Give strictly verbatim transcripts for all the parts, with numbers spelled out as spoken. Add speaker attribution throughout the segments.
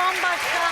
Speaker 1: bambaşka.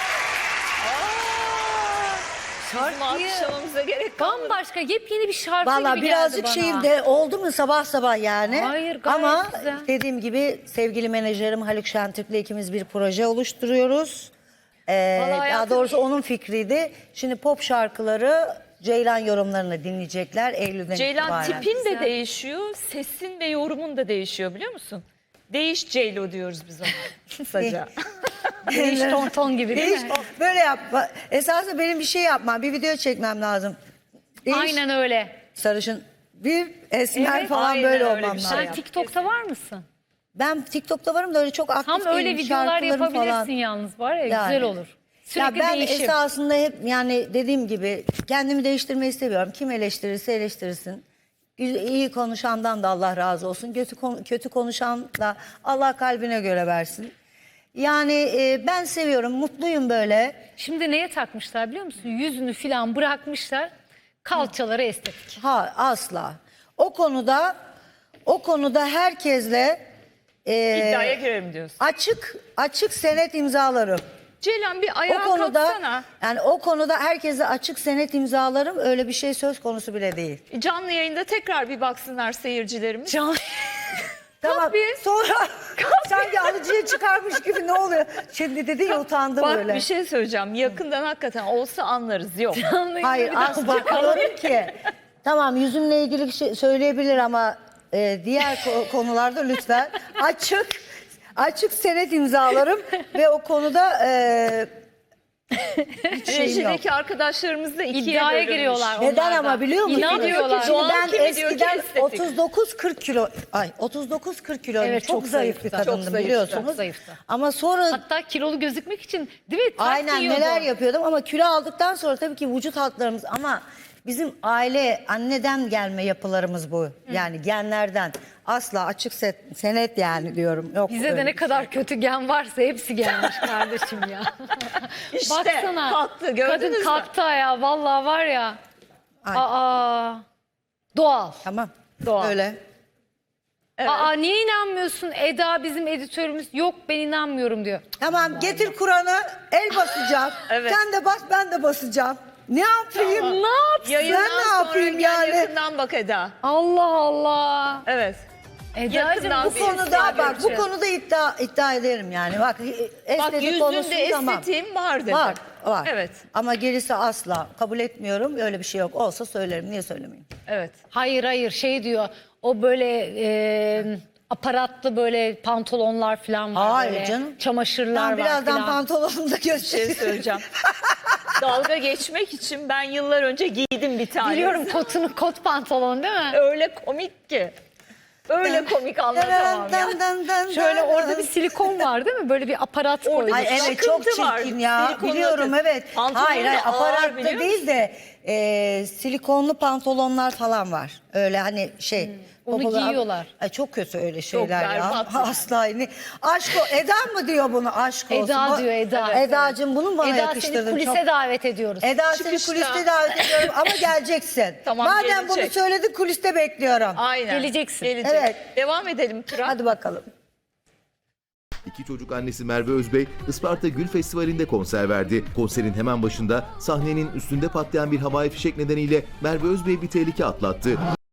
Speaker 2: Bizim
Speaker 1: Şarkıyı
Speaker 2: alkışlamamıza gerek kalmadı.
Speaker 1: bambaşka yepyeni bir şarkı
Speaker 3: Valla
Speaker 1: gibi
Speaker 3: birazcık
Speaker 1: geldi bana.
Speaker 3: şeyim de oldu mu sabah sabah yani.
Speaker 1: Hayır, gayet
Speaker 3: Ama
Speaker 1: güzel.
Speaker 3: dediğim gibi sevgili menajerim Haluk Şentürk'le ikimiz bir proje oluşturuyoruz. Ee,
Speaker 2: Vallahi
Speaker 3: daha
Speaker 2: hayatım-
Speaker 3: doğrusu onun fikriydi. Şimdi pop şarkıları Ceylan yorumlarını dinleyecekler Eylül'den
Speaker 2: Ceylan
Speaker 3: itibaren.
Speaker 2: tipin de
Speaker 1: Güzel.
Speaker 2: değişiyor, sesin ve yorumun da değişiyor biliyor musun? Değiş Ceylo diyoruz biz ona kısaca.
Speaker 1: Değiş ton ton gibi değil
Speaker 3: Değiş,
Speaker 1: mi?
Speaker 3: böyle yapma. Esasında benim bir şey yapmam, bir video çekmem lazım. Değiş,
Speaker 1: Aynen öyle.
Speaker 3: sarışın, bir esmer
Speaker 1: Evet,
Speaker 3: falan
Speaker 2: aynen
Speaker 3: böyle
Speaker 2: öyle
Speaker 3: olmam
Speaker 2: bir şey
Speaker 3: lazım.
Speaker 1: Sen
Speaker 2: yap,
Speaker 1: TikTok'ta var mısın?
Speaker 3: Ben TikTok'ta varım da öyle çok aktif
Speaker 1: Tam öyle
Speaker 3: değilim,
Speaker 1: videolar
Speaker 3: şarkılarım
Speaker 1: yapabilirsin
Speaker 3: falan.
Speaker 1: yalnız var ya
Speaker 3: Yani.
Speaker 1: güzel olur. Sürekli
Speaker 3: ya ben
Speaker 1: değişim.
Speaker 3: esasında hep yani dediğim gibi kendimi değiştirmeyi seviyorum. Kim eleştirirse eleştirsin. Güzel- İyi konuşandan da Allah razı olsun. Kötü, kon- kötü konuşan da Allah kalbine göre versin. Yani e, ben seviyorum, mutluyum böyle.
Speaker 1: Şimdi neye takmışlar biliyor musun? Yüzünü filan bırakmışlar. Kalçaları estetik.
Speaker 3: Ha asla. O konuda o konuda herkesle e,
Speaker 2: İddiaya girelim diyorsun.
Speaker 3: açık açık senet imzalarım.
Speaker 2: Ceylan bir
Speaker 3: O
Speaker 2: ayağa
Speaker 3: konuda
Speaker 2: kalksana.
Speaker 3: yani o konuda herkese açık senet imzalarım. Öyle bir şey söz konusu bile değil.
Speaker 2: Canlı yayında tekrar bir baksınlar seyircilerimiz.
Speaker 1: Can...
Speaker 3: Tamam. Sonra sanki alıcıya çıkarmış gibi ne oluyor? Şimdi dedi ya utandım
Speaker 2: Bak
Speaker 3: böyle.
Speaker 2: bir şey söyleyeceğim. Yakından hakikaten olsa anlarız. Yok.
Speaker 3: Hayır asla diyorum ki tamam yüzümle ilgili bir şey söyleyebilir ama e, diğer ko- konularda lütfen açık açık senet imzalarım ve o konuda e, hiç şeyim yok.
Speaker 2: Rejideki arkadaşlarımız da ikiye
Speaker 1: İddiaya
Speaker 2: bölünmüş.
Speaker 1: giriyorlar.
Speaker 3: Neden
Speaker 1: onlar da.
Speaker 3: ama biliyor musun?
Speaker 1: İnanmıyorlar.
Speaker 3: Şimdi
Speaker 2: Doğal
Speaker 3: ben
Speaker 2: kimi diyor ki
Speaker 3: eskiden
Speaker 2: estetik.
Speaker 3: otuz dokuz kırk kilo ay otuz dokuz kırk kilo
Speaker 1: Evet,
Speaker 3: çok,
Speaker 1: çok
Speaker 3: zayıf bir
Speaker 1: zayıftı.
Speaker 3: kadındım
Speaker 2: Çok zayıftı,
Speaker 3: biliyorsunuz.
Speaker 1: çok zayıftı.
Speaker 3: Ama sonra
Speaker 1: Hatta kilolu gözükmek için değil mi? Ters
Speaker 3: aynen
Speaker 1: giyiyordu.
Speaker 3: neler yapıyordum ama kilo aldıktan sonra tabii ki vücut hatlarımız ama bizim aile anneden gelme yapılarımız bu. Yani genlerden asla açık set, senet yani diyorum. Yok
Speaker 1: Bize de
Speaker 3: öyle
Speaker 1: ne
Speaker 3: bir şey.
Speaker 1: kadar kötü gen varsa hepsi gelmiş kardeşim ya.
Speaker 2: İşte
Speaker 1: Baksana.
Speaker 2: kalktı, gördünüz
Speaker 1: Kadın
Speaker 2: mü?
Speaker 1: kalktı ya vallahi var ya.
Speaker 3: Ay.
Speaker 1: Aa. Doğal.
Speaker 3: Tamam.
Speaker 2: Doğal.
Speaker 3: Öyle.
Speaker 2: Evet.
Speaker 1: Aa niye inanmıyorsun? Eda bizim editörümüz yok ben inanmıyorum diyor.
Speaker 3: Tamam getir Kur'an'ı el basacağım.
Speaker 2: Evet.
Speaker 3: Sen de bas ben de basacağım. Ne yapayım?
Speaker 1: Ne yapsın?
Speaker 2: Yayından
Speaker 3: Ben ne
Speaker 2: sonra
Speaker 3: yapayım
Speaker 2: gel
Speaker 3: yani?
Speaker 2: yakından bak Eda.
Speaker 1: Allah Allah.
Speaker 2: Evet.
Speaker 1: Eda'cığım
Speaker 2: Yakından
Speaker 1: bu
Speaker 2: bir
Speaker 3: Bu
Speaker 1: konu
Speaker 3: konuda bak bu
Speaker 1: göreceğiz.
Speaker 3: konuda iddia iddia ederim yani. Bak
Speaker 2: Bak
Speaker 3: estetik
Speaker 2: yüzünde
Speaker 3: konusu tamam.
Speaker 2: estetiğim var dedi.
Speaker 3: Var, var.
Speaker 2: Evet.
Speaker 3: Ama gerisi asla kabul etmiyorum. Öyle bir şey yok. Olsa söylerim. Niye söylemeyeyim?
Speaker 2: Evet.
Speaker 1: Hayır hayır şey diyor o böyle e, aparatlı böyle pantolonlar falan var.
Speaker 3: Hayır
Speaker 1: böyle,
Speaker 3: canım.
Speaker 1: Çamaşırlar
Speaker 3: Ben
Speaker 1: var
Speaker 3: birazdan
Speaker 1: falan.
Speaker 3: pantolonumu da
Speaker 2: Bir şey
Speaker 3: göstereyim.
Speaker 2: söyleyeceğim. Dalga geçmek için ben yıllar önce giydim bir tane.
Speaker 1: Biliyorum kotunu kot pantolon değil mi?
Speaker 2: Öyle komik ki. Öyle komik anlatamam ya.
Speaker 3: Dan, dan, dan,
Speaker 1: Şöyle
Speaker 3: dan,
Speaker 1: orada
Speaker 3: dan.
Speaker 1: bir silikon var değil mi? Böyle bir aparat koymuş.
Speaker 3: Ay evet çok
Speaker 2: Akıntı var.
Speaker 3: çirkin ya.
Speaker 2: Silikonlu
Speaker 3: Biliyorum
Speaker 2: akıntı.
Speaker 3: evet.
Speaker 2: Pantolonu
Speaker 3: Hayır hayır
Speaker 2: da ağır,
Speaker 3: aparatta
Speaker 2: biliyor
Speaker 3: değil de e, silikonlu pantolonlar falan var. Öyle hani şey.
Speaker 1: onu
Speaker 3: popolar-
Speaker 1: giyiyorlar.
Speaker 3: Ay, çok kötü öyle şeyler ya.
Speaker 2: berbat yani.
Speaker 3: Asla. Ne- Aşk o. Eda mı diyor bunu aşk olsun?
Speaker 1: Eda
Speaker 3: Bu-
Speaker 1: diyor Eda.
Speaker 3: Edacığım bunu bana
Speaker 1: Eda
Speaker 3: yakıştırdın.
Speaker 1: seni kulise
Speaker 3: çok.
Speaker 1: davet ediyoruz.
Speaker 3: Eda
Speaker 2: Çıkışta.
Speaker 3: seni kuliste davet ediyorum ama geleceksin.
Speaker 2: Tamam,
Speaker 3: Madem bunu
Speaker 2: gelecek.
Speaker 3: söyledin kuliste bekliyorum.
Speaker 2: Aynen.
Speaker 1: Geleceksin.
Speaker 2: Gelecek.
Speaker 3: Evet.
Speaker 2: Devam edelim Turan.
Speaker 3: Hadi bakalım.
Speaker 4: İki çocuk annesi Merve Özbey, Isparta Gül Festivali'nde konser verdi. Konserin hemen başında sahnenin üstünde patlayan bir havai fişek nedeniyle Merve Özbey bir tehlike atlattı.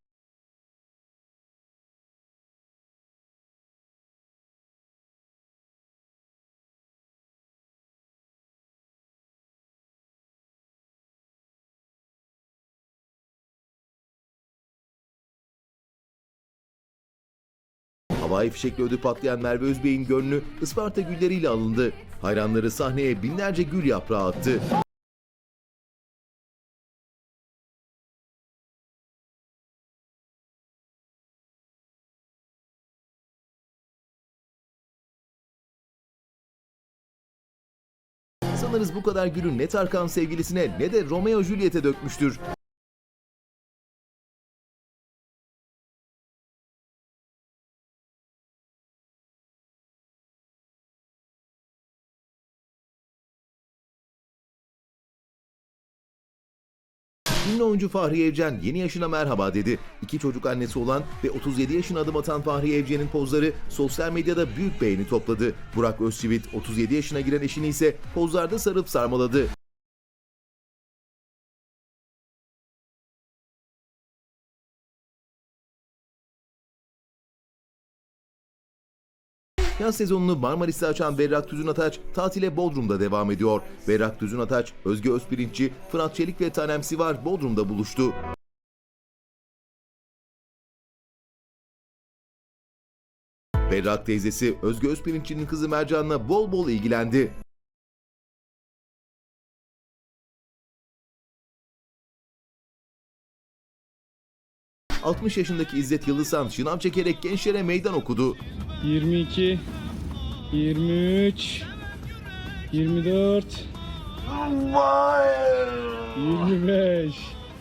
Speaker 4: Havai fişekle ödü patlayan Merve Özbey'in gönlü Isparta gülleriyle alındı. Hayranları sahneye binlerce gül yaprağı attı. Sanırız bu kadar gülü ne Tarkan sevgilisine ne de Romeo Juliet'e dökmüştür. Ünlü oyuncu Fahriye Evcen yeni yaşına merhaba dedi. İki çocuk annesi olan ve otuz yedi yaşına adım atan Fahriye Evcen'in pozları sosyal medyada büyük beğeni topladı. Burak Özçivit otuz yedi yaşına giren eşini ise pozlarda sarıp sarmaladı. Yaz sezonunu Marmaris'te açan Berrak Tüzün Ataç tatile Bodrum'da devam ediyor. Berrak Tüzün Ataç, Özge Özpirinççi, Fırat Çelik ve Tanem Sivar Bodrum'da buluştu. Berrak teyzesi Özge Özpirinççi'nin kızı Mercan'la bol bol ilgilendi. altmış yaşındaki İzzet Yıldızhan şınav çekerek gençlere meydan okudu.
Speaker 5: yirmi iki, yirmi üç, yirmi dört, yirmi beş.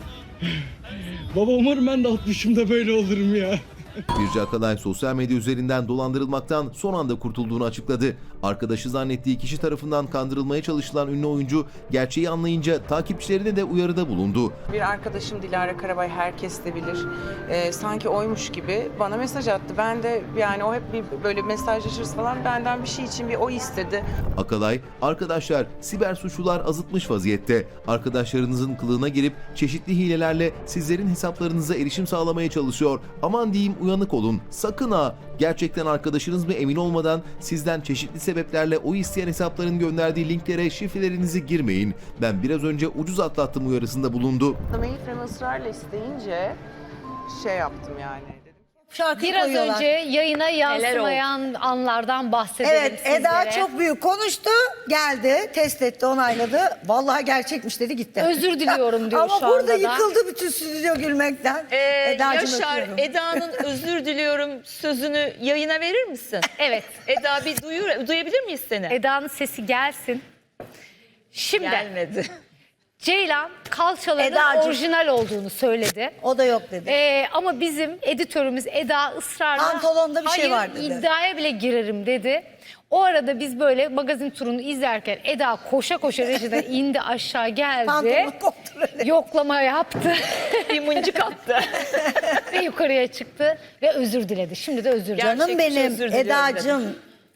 Speaker 5: Baba umarım ben de altmışımda böyle olurum ya.
Speaker 4: Birce Akalay sosyal medya üzerinden dolandırılmaktan son anda kurtulduğunu açıkladı. Arkadaşı zannettiği kişi tarafından kandırılmaya çalışılan ünlü oyuncu gerçeği anlayınca takipçilerine de uyarıda bulundu.
Speaker 6: Bir arkadaşım Dilara Karabay, herkes de bilir. Ee, sanki oymuş gibi bana mesaj attı. Ben de yani o hep bir böyle mesajlaşırız falan, benden bir şey için bir oy istedi.
Speaker 4: Akalay, arkadaşlar siber suçlular azıtmış vaziyette. Arkadaşlarınızın kılığına girip çeşitli hilelerle sizlerin hesaplarınıza erişim sağlamaya çalışıyor. Aman diyeyim uyanık olun. Sakın ha! Gerçekten arkadaşınız mı emin olmadan sizden çeşitli sebeplerle oy isteyen hesapların gönderdiği linklere şifrelerinizi girmeyin. Ben biraz önce ucuz atlattım uyarısında bulundu.
Speaker 6: Mayıfrem ısrarla isteyince şey yaptım yani.
Speaker 3: Şarkı
Speaker 1: Biraz
Speaker 3: koyuyorlar.
Speaker 1: önce yayına yansımayan anlardan bahsedelim
Speaker 3: Evet,
Speaker 1: sizlere.
Speaker 3: Eda çok büyük konuştu, geldi, test etti, onayladı. Vallahi gerçekmiş dedi, gitti.
Speaker 1: Özür diliyorum diyor
Speaker 3: Ama
Speaker 1: şu
Speaker 3: burada
Speaker 1: anda da.
Speaker 3: yıkıldı bütün stüdyo gülmekten.
Speaker 2: Ee,
Speaker 3: Edacığım
Speaker 2: Yaşar,
Speaker 3: öpüyorum.
Speaker 2: Eda'nın özür diliyorum sözünü yayına verir misin?
Speaker 1: Evet.
Speaker 2: Eda bir duyur, duyabilir miyiz seni?
Speaker 1: Eda'nın sesi gelsin. Şimdi
Speaker 2: Gelmedi.
Speaker 1: Ceylan kalçalarının
Speaker 3: Edacığım.
Speaker 1: orijinal olduğunu söyledi.
Speaker 3: O da yok dedi.
Speaker 1: Ee, ama bizim editörümüz Eda ısrarla
Speaker 3: Pantolonda bir şey
Speaker 1: hayır,
Speaker 3: var dedi.
Speaker 1: iddiaya bile girerim dedi. O arada biz böyle magazin turunu izlerken Eda koşa koşa rejiden indi aşağı geldi.
Speaker 3: Pantolonu koptu böyle.
Speaker 1: Yoklama yaptı
Speaker 2: Bir mıncık attı.
Speaker 1: ve yukarıya çıktı ve özür diledi. Şimdi de özür diledi.
Speaker 2: Gerçek
Speaker 3: Canım
Speaker 2: bir şey,
Speaker 3: benim,
Speaker 2: özür diliyorum
Speaker 3: Edacığım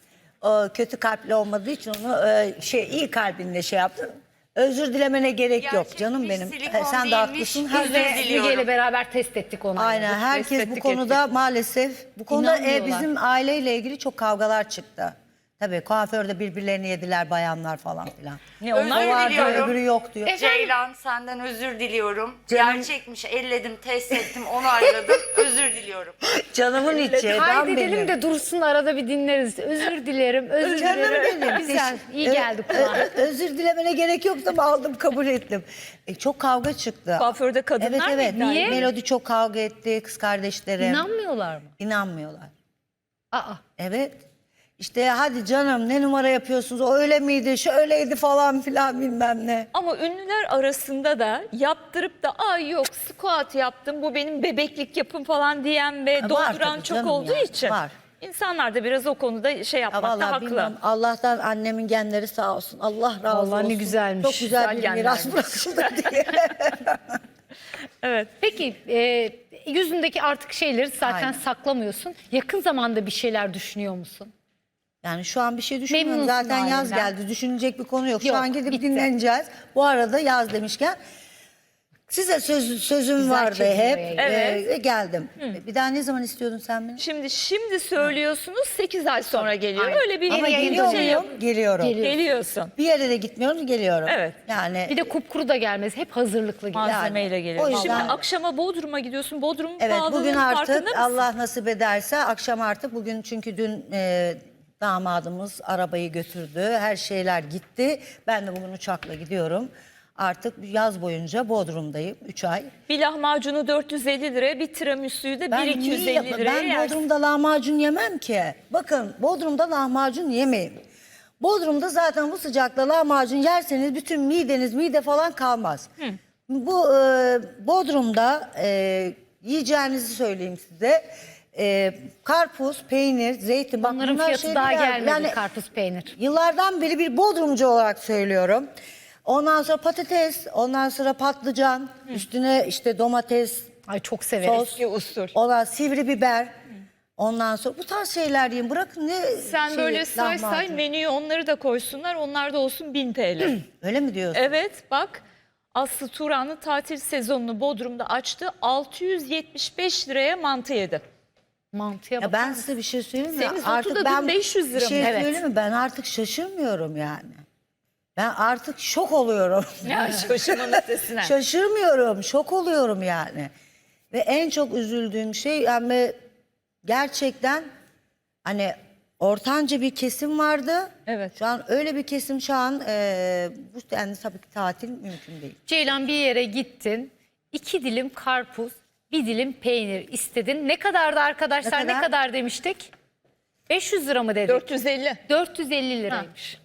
Speaker 3: o kötü kalpli olmadığı için onu e, şey iyi kalbinle şey yaptı. Özür dilemene gerek yok canım benim.
Speaker 7: silikon
Speaker 3: Sen de
Speaker 7: değilmiş,
Speaker 3: haklısın.
Speaker 7: özür
Speaker 3: Herkes,
Speaker 7: diliyorum.
Speaker 1: Müge ile beraber test ettik onu.
Speaker 3: aynen herkes bu
Speaker 2: ettik,
Speaker 3: konuda maalesef bu konuda e,
Speaker 1: İnanmıyorlar.
Speaker 3: bizim aileyle ilgili çok kavgalar çıktı. Tabii kuaförde birbirlerini yediler bayanlar falan filan.
Speaker 2: Ne
Speaker 3: O
Speaker 2: onlar
Speaker 7: Özür
Speaker 3: var diyor,
Speaker 7: diliyorum.
Speaker 3: öbürü yok diyor.
Speaker 7: Ceylan senden özür diliyorum.
Speaker 3: Canım-
Speaker 7: Gerçekmiş, elledim, test ettim, onayladım. Özür diliyorum.
Speaker 3: Canımın içi, Eda'm
Speaker 1: Kaydedelim
Speaker 3: benim.
Speaker 1: de dursun arada bir dinleriz. Özür dilerim, özür
Speaker 3: Canım
Speaker 1: dilerim.
Speaker 3: benim.
Speaker 1: Güzel, iyi
Speaker 3: Ö-
Speaker 1: geldi
Speaker 3: ö-
Speaker 1: kulağa.
Speaker 3: ö- özür dilemene gerek yoktu ama aldım, kabul ettim. E, çok kavga çıktı.
Speaker 2: Kuaförde kadınlar
Speaker 3: Evet
Speaker 2: mı
Speaker 3: evet.
Speaker 2: iddia
Speaker 1: Niye?
Speaker 3: Melodi çok kavga etti, kız kardeşlerim.
Speaker 1: İnanmıyorlar mı?
Speaker 3: İnanmıyorlar.
Speaker 1: Aa.
Speaker 3: Evet. İşte hadi canım ne numara yapıyorsunuz, o öyle miydi, şöyleydi falan filan bilmem ne.
Speaker 2: Ama ünlüler arasında da yaptırıp da ay yok squat yaptım bu benim bebeklik yapım falan diyen ve
Speaker 3: var
Speaker 2: dolduran
Speaker 3: tabii
Speaker 2: çok
Speaker 3: canım
Speaker 2: olduğu
Speaker 3: ya,
Speaker 2: için.
Speaker 3: var.
Speaker 2: İnsanlar da biraz o konuda şey
Speaker 3: Ya
Speaker 2: yapmakta
Speaker 3: vallahi
Speaker 2: haklı.
Speaker 3: bilmem, Allah'tan annemin genleri sağ olsun. Allah razı olsun.
Speaker 1: Vallahi ne güzelmiş.
Speaker 3: Çok güzel,
Speaker 2: Güzel
Speaker 3: bir miras
Speaker 2: genlermiş.
Speaker 3: bırakıldı diye.
Speaker 2: Evet.
Speaker 1: Peki e, yüzündeki artık şeyleri zaten
Speaker 3: Aynen.
Speaker 1: saklamıyorsun. Yakın zamanda bir şeyler düşünüyor musun?
Speaker 3: Yani şu an bir şey düşünmüyorum.
Speaker 1: Memnunsun
Speaker 3: Zaten yaz
Speaker 1: halinden.
Speaker 3: geldi. Düşünecek bir konu yok.
Speaker 1: Yok,
Speaker 3: Şu an gidip
Speaker 1: bitti.
Speaker 3: dinleneceğiz. Bu arada yaz demişken size söz, sözüm
Speaker 1: Güzel
Speaker 3: vardı
Speaker 1: çekimlere
Speaker 3: hep.
Speaker 1: geldi.
Speaker 2: Evet.
Speaker 3: Ee, geldim. Bir daha ne zaman istiyordun sen beni?
Speaker 2: Şimdi şimdi söylüyorsunuz sekiz ay sonra geliyor.
Speaker 1: Aynen.
Speaker 2: Öyle bir
Speaker 3: Ama
Speaker 1: yayında
Speaker 3: geliyor
Speaker 2: şey
Speaker 3: muyum?
Speaker 2: yap-
Speaker 3: Geliyorum.
Speaker 1: Geliyor.
Speaker 2: Geliyorsun.
Speaker 3: Bir yere de gitmiyorum, geliyorum.
Speaker 2: Evet.
Speaker 3: Yani
Speaker 1: Bir de kupkuru da gelmez. Hep hazırlıklı gidiyor.
Speaker 2: Malzemeyle
Speaker 3: Yani,
Speaker 2: geliyor.
Speaker 3: o yüzden-
Speaker 2: Şimdi akşama Bodrum'a gidiyorsun. Bodrum'un
Speaker 3: evet,
Speaker 2: pahalılığının
Speaker 3: bugün
Speaker 2: farkında
Speaker 3: artık
Speaker 2: mısın?
Speaker 3: Allah nasip ederse akşam artık bugün, çünkü dün e, damadımız arabayı götürdü. Her şeyler gitti. Ben de bugün uçakla gidiyorum. Artık yaz boyunca Bodrum'dayım. üç ay.
Speaker 2: Bir lahmacunu dört yüz elli liraya, bir tiramisu'yu da
Speaker 3: Ben
Speaker 2: bin iki yüz
Speaker 3: niye
Speaker 2: elli
Speaker 3: yap-
Speaker 2: liraya
Speaker 3: Ben
Speaker 2: yersin.
Speaker 3: Bodrum'da lahmacun yemem ki. Bakın, Bodrum'da lahmacun yemeyin. Bodrum'da zaten bu sıcakta lahmacun yerseniz bütün mideniz mide falan kalmaz. Bu e, Bodrum'da e, yiyeceğinizi söyleyeyim size. E, karpuz, peynir, zeytin. Bak
Speaker 1: Onların
Speaker 3: bunlar
Speaker 1: fiyatı
Speaker 3: şeyler-
Speaker 1: daha gelmedi,
Speaker 3: yani
Speaker 1: karpuz peynir.
Speaker 3: Yıllardan beri bir Bodrumcu olarak söylüyorum. Ondan sonra patates, ondan sonra patlıcan, üstüne işte domates,
Speaker 1: Ay çok severiz.
Speaker 3: sos,
Speaker 2: Eski usul.
Speaker 3: ondan sivri biber. Ondan sonra bu tarz şeyler yiyin. Bırakın ne
Speaker 2: Sen
Speaker 3: şeyi,
Speaker 2: böyle say say
Speaker 3: lahmacun.
Speaker 2: menüye onları da koysunlar. Onlar da olsun bin T L.
Speaker 3: Öyle mi diyorsun?
Speaker 2: Evet bak Aslı Turan'ın tatil sezonunu Bodrum'da açtı. altı yüz yetmiş beş liraya mantı yedi.
Speaker 1: Mantıya
Speaker 3: Ya
Speaker 1: bak.
Speaker 3: ben size bir şey söyleyeyim mi?
Speaker 2: Senin notu da dün beş yüz lira
Speaker 3: bir şey
Speaker 2: mı? Evet.
Speaker 3: söyleyeyim mi? Ben artık şaşırmıyorum yani. Ben artık şok oluyorum.
Speaker 2: Ya şaşırmanın ötesine.
Speaker 3: Şaşırmıyorum, şok oluyorum yani. Ve en çok üzüldüğüm şey yani gerçekten hani ortanca bir kesim vardı.
Speaker 2: Evet.
Speaker 3: Şu an öyle bir kesim şu an e, bu yani tabii ki tatil mümkün değil.
Speaker 1: Ceylan bir yere gittin. iki dilim karpuz, bir dilim peynir istedin. Ne kadardı arkadaşlar?
Speaker 3: Ne
Speaker 1: Ne
Speaker 3: kadar?
Speaker 1: kadar, demiştik? beş yüz lira mı dedik?
Speaker 2: dört yüz elli.
Speaker 1: dört yüz elli liraymış.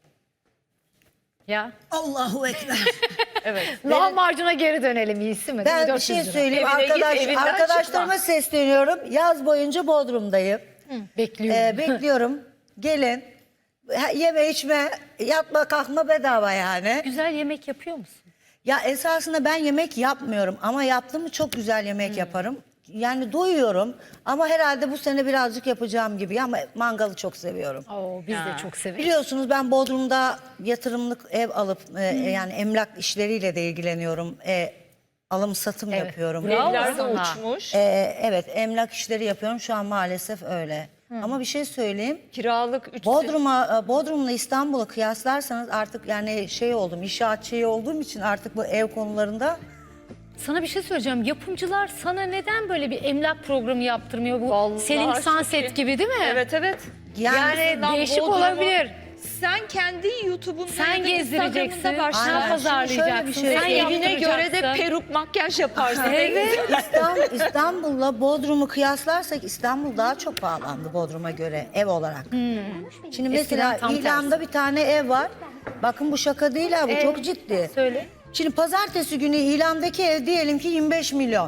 Speaker 1: Ya.
Speaker 3: Allahu ekber.
Speaker 2: Evet.
Speaker 1: Lahmacuna geri dönelim iyisi mi?
Speaker 3: Ben bir
Speaker 1: dört yüz
Speaker 3: şey
Speaker 1: lira.
Speaker 3: söyleyeyim.
Speaker 2: Evine git,
Speaker 3: Arkadaş,
Speaker 2: evinden
Speaker 3: arkadaşlarıma sesleniyorum. Yaz boyunca Bodrum'dayım.
Speaker 1: Bekliyorum.
Speaker 3: Ee, bekliyorum. Gelin. Ha, Yeme içme, yatma kalkma bedava yani.
Speaker 1: Güzel yemek yapıyor musun?
Speaker 3: Ya esasında ben yemek yapmıyorum ama yaptığımı çok güzel yemek yaparım. Yani doyuyorum ama herhalde bu sene birazcık yapacağım gibi ama mangalı çok seviyorum.
Speaker 1: Oo, biz de çok severiz.
Speaker 3: Biliyorsunuz ben Bodrum'da yatırımlık ev alıp e, yani emlak işleriyle de ilgileniyorum. E, alım satım
Speaker 1: Evet.
Speaker 3: yapıyorum.
Speaker 1: Bravo.
Speaker 2: Evler de
Speaker 1: sana.
Speaker 2: uçmuş.
Speaker 3: E, evet emlak işleri yapıyorum şu an maalesef öyle. Ama bir şey söyleyeyim.
Speaker 2: Kiralık üç
Speaker 3: Bodrum'a, Bodrum'la İstanbul'u kıyaslarsanız artık yani şey oldum, inşaatçı olduğum için artık bu ev konularında
Speaker 1: Sana bir şey söyleyeceğim. Yapımcılar sana neden böyle bir emlak programı yaptırmıyor? Bu
Speaker 2: Vallahi
Speaker 1: Selling
Speaker 2: çok
Speaker 1: Sunset
Speaker 2: iyi.
Speaker 1: gibi değil mi?
Speaker 2: Evet evet.
Speaker 3: Yani
Speaker 1: Yani
Speaker 2: Lan
Speaker 1: değişik
Speaker 2: Bodrum'u
Speaker 1: olabilir.
Speaker 2: Sen kendi YouTube'unda
Speaker 1: Sen
Speaker 2: ya da
Speaker 1: gezdireceksin,
Speaker 2: Instagram'ında
Speaker 1: sen
Speaker 3: Aynen.
Speaker 2: başla.
Speaker 1: pazarlayacaksın,
Speaker 3: Şöyle bir şey
Speaker 1: sen
Speaker 2: Evine göre de
Speaker 1: yaptıracaksın.
Speaker 2: peruk makyaj yaparsın.
Speaker 1: Evet.
Speaker 3: İstanbul, İstanbul'la Bodrum'u kıyaslarsak İstanbul daha çok pahalandı Bodrum'a göre ev olarak. Şimdi mesela
Speaker 1: Eskiden tam
Speaker 3: İlan'da bir tane ev var. Bakın bu şaka değil ha bu
Speaker 1: Ev.
Speaker 3: çok ciddi.
Speaker 1: Söyle.
Speaker 3: Şimdi pazartesi günü ilandaki ev diyelim ki yirmi beş milyon.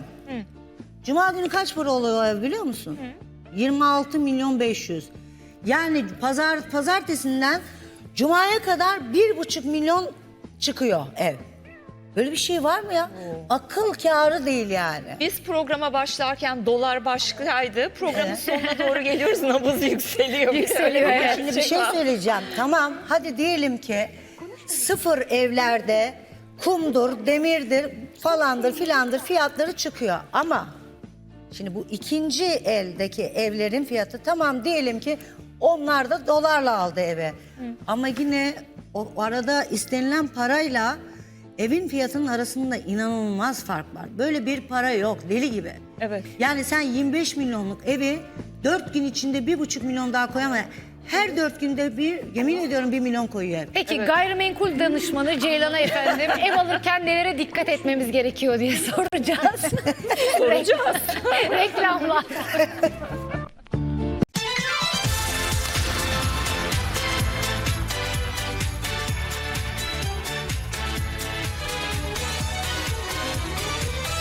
Speaker 3: Cuma günü kaç para oluyor o ev biliyor musun? yirmi altı milyon beş yüz. Yani pazar pazartesinden Cuma'ya kadar bir buçuk milyon çıkıyor ev. Böyle bir şey var mı ya? Akıl kârı değil yani.
Speaker 2: Biz programa başlarken dolar başkaydı. Programın sonuna doğru geliyoruz nabız yükseliyor.
Speaker 1: Yükseliyor,
Speaker 2: Öyle
Speaker 1: evet.
Speaker 3: Şimdi bir şey söyleyeceğim. Tamam hadi diyelim ki sıfır evlerde kumdur, demirdir falandır filandır fiyatları çıkıyor. Ama şimdi bu ikinci eldeki evlerin fiyatı tamam diyelim ki onlar da dolarla aldı eve. Ama yine o arada istenilen parayla evin fiyatının arasında inanılmaz fark var. Böyle bir para yok deli gibi.
Speaker 2: Evet.
Speaker 3: Yani sen yirmi beş milyonluk evi dört gün içinde bir buçuk milyon daha koyamayız. Her dört günde bir yemin ediyorum bir milyon koyuyor ev.
Speaker 1: Peki gayrimenkul danışmanı Ceylan'a efendim ev alırken nelere dikkat etmemiz gerekiyor diye soracağız.
Speaker 2: Soracağız.
Speaker 1: Reklamlar.